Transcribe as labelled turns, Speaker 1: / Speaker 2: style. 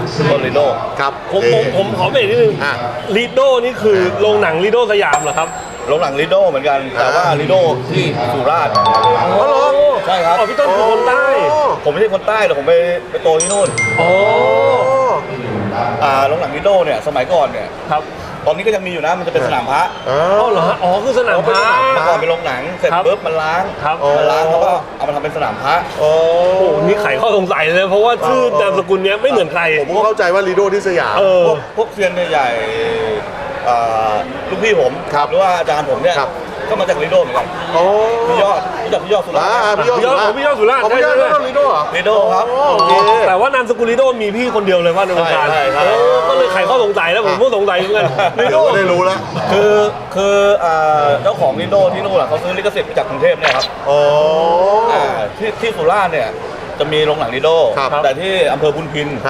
Speaker 1: ต้นลิโด
Speaker 2: ครับ
Speaker 3: ผมขอเบรกนิดนึงลิโดนี่คือโรงหนังลิโดสยามเหรอครับ
Speaker 1: โรงหนังลิโดเหมือนกันแต่ว่าลิโดที่สุราษฎร์
Speaker 2: อ๋อเหรอ
Speaker 1: ใช่ครับ
Speaker 3: พี่ต้นคือคนใต้
Speaker 1: ผมไม่ใช่คนใต้แต่ผมไปโตที่นู่น
Speaker 3: อ๋อ
Speaker 1: โรงหนังลิโดเนี่ยสมัยก่อนเนี่ย
Speaker 3: ครับ
Speaker 1: ตอนนี้ก็ยังมีอยู่นะมันจะเป็นสนามพระ
Speaker 3: อ๋อเหรอฮะอ๋อคือสนามพระ
Speaker 1: เมื่อก่อนเป็นโรงหนังเสร็จ
Speaker 3: ครับ
Speaker 1: ปุ๊บมันล้าง
Speaker 3: ครับ
Speaker 1: มันล้างเขาก็เอามาทำเป็นสนามพระ
Speaker 2: โอ้
Speaker 3: โอ้นี่ไขข้อสงสัยเลยเพราะว่าชื่อนามสกุลเนี้ยไม่เหมือนใคร
Speaker 2: ผมก็เข้าใจว่าลีโดที่สยาม
Speaker 1: พวกเซียนใหญ่ๆลูกพี่ผม
Speaker 2: ครับ
Speaker 1: หรือว่าอาจารย์ผมเนี่ย
Speaker 2: ครับ
Speaker 1: ก็มาจากลิโดเหมือนกัน
Speaker 2: โอ้
Speaker 1: พี่ยอดรู้จักพี่ยอดสุราษฎร์ไหม
Speaker 2: พี่ยอดสุราษฎร์
Speaker 3: พี่ยอดสุราษฎร์
Speaker 2: พี่ยอด
Speaker 3: ใช่
Speaker 2: ลีโดเหรอ
Speaker 1: ลิโดครับ
Speaker 2: โอเค
Speaker 3: แต่ว่านามสกุลลิโดมีพี่คนเดียวเลยว่าในวงการ
Speaker 1: ใช่ใช่
Speaker 3: โอ้ก็เลยไขข้อสงสัยแล้วผมก็สงสัยเหมือนกันลิ
Speaker 2: เดี๋
Speaker 3: โด
Speaker 2: ยวก็ได้รู้แล้ว
Speaker 1: คือเจ้าของลิโดที่นู่นเขาซื้อลิขสิทธิ์มาจากกรุงเทพเนี่ยครับ
Speaker 2: โอ้
Speaker 1: ที่สุราษฎร์เนี่ยจะมีโรงหนังลิโด
Speaker 2: ครับ
Speaker 1: แต่ที่อำเภอพุนพิน